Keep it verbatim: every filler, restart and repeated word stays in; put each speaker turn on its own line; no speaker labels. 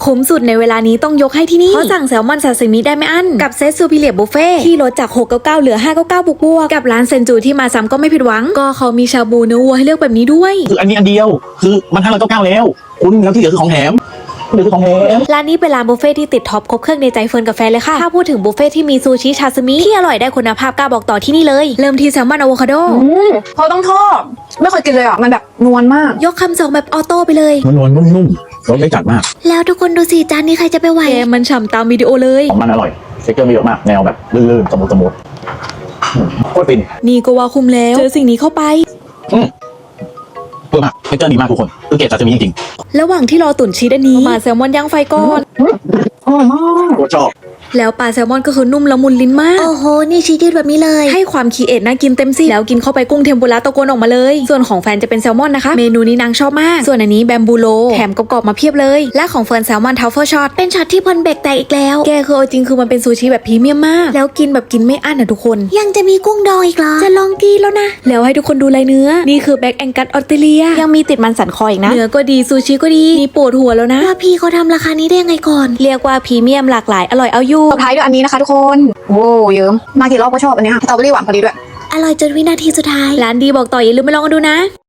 คุ้มสุดในเวลานี้ต้องยกให้ที่นี่เพราะสั่งแซลมอนซาซิมิได้ไม่อั้นกับเซตซูพิเลียบุฟเฟ่ที่ลดจากหกร้อยเก้าสิบเก้าเหลือห้าร้อยเก้าสิบเก้าบวกบวกกับร้านเซนจูที่มาซ้ำก็ไม่ผิดหวังก็เขามีชาบูเนื้อวัวให้เลือกแบบนี้ด้วย
คืออันนี้อันเดียวคือมันห้าร้อยเก้าสิบเก้าแล้วคุณแล้วที่เหลือคือของแถมเหลือคือของแถม
ร้านนี้เป็นร้านบุฟเฟ่ที่ติดท็อปครบเครื่องในใจเฟิร์นกับแฟนเลยค่ะถ้าพูดถึงบุฟเฟ่ที่มีซูชิชาซิมิที่อร่อยได้คุณภาพกล้าบอกต่อที่นี่เลยเริ่มที่แซลมอนอะโวคาโด
เขาต้องทอดไม่เคยกินเลยอ่ะมันแบบนวลมาก
ยกคำสองแบบออโต้ไปเลย
นวลๆนุ่มๆรสไม่จัดมาก
แล้วทุกคนดูสิจานนี้ใครจะไปไหวแกมันฉ่ำตามวิดีโอเลย
ของมันอร่อยเท็กเจอร์มีเยอะมากแนวแบบลื่นๆสมูทสมูทโคตรฟิน
นี่ก็ว่าคุ้มแล้วเจอสิ่งนี้เข้าไป
อืมเพิ่มมากเท็กเจอร์ดีมากทุกคนคือเกรดซาซิมิจริง
ๆระหว่างที่รอตุ๋นชีสอันนี้มาแซลมอนย่างไฟก่อน
อร่อยมาก
โคตรชอบ
แล้วปลาแซลมอนก็คือนุ่มละมุนลิ้นมากโอ้โหนี่ชีสยืดแบบนี้เลยให้ความคีเอทน่ากินเต็มสิแล้วกินเข้าไปกุ้งเทมปุระตะโกนออกมาเลยส่วนของแฟนจะเป็นแซลมอนนะคะเมนูนี้นางชอบมากส่วนอันนี้แบมบูโลแถมกรอบๆมาเพียบเลยและของเฟิร์นแซลมอนทัฟเฟิลช็อตเป็นช็อตที่พอนเบรกแตกอีกแล้วแกคือจริงคือมันเป็นซูชิแบบพรีเมียมมากแล้วกินแบบกินไม่อั้นนะทุกคนยังจะมีกุ้งดองอีกเหรอจะลองกินแล้วนะแล้วให้ทุกคนดูลายเนื้อนี่คือแบ็กแองกัสออสเตรเลียยังมีติดมันสันคออีกนะเนื้อก็ดีซูชิก็ดีนี่ปวดหัวแล้วนะว่าพี่เขาทำราคานี้ได้ยังไงก่อนเรียกว่าพรีเมียมหลากหลายอร่อยเอาอยู่
สุดท้ายด้วยอันนี้นะคะทุกคนโว้เยิ้มมากี่รอบก็ชอบอันนี้ค่ะสตรอเบอรี่หวานพอดีด้วย
อร่อยจนวินาทีสุดท้ายร้านดีบอกต่ออย่าลืมไปลองกันดูนะ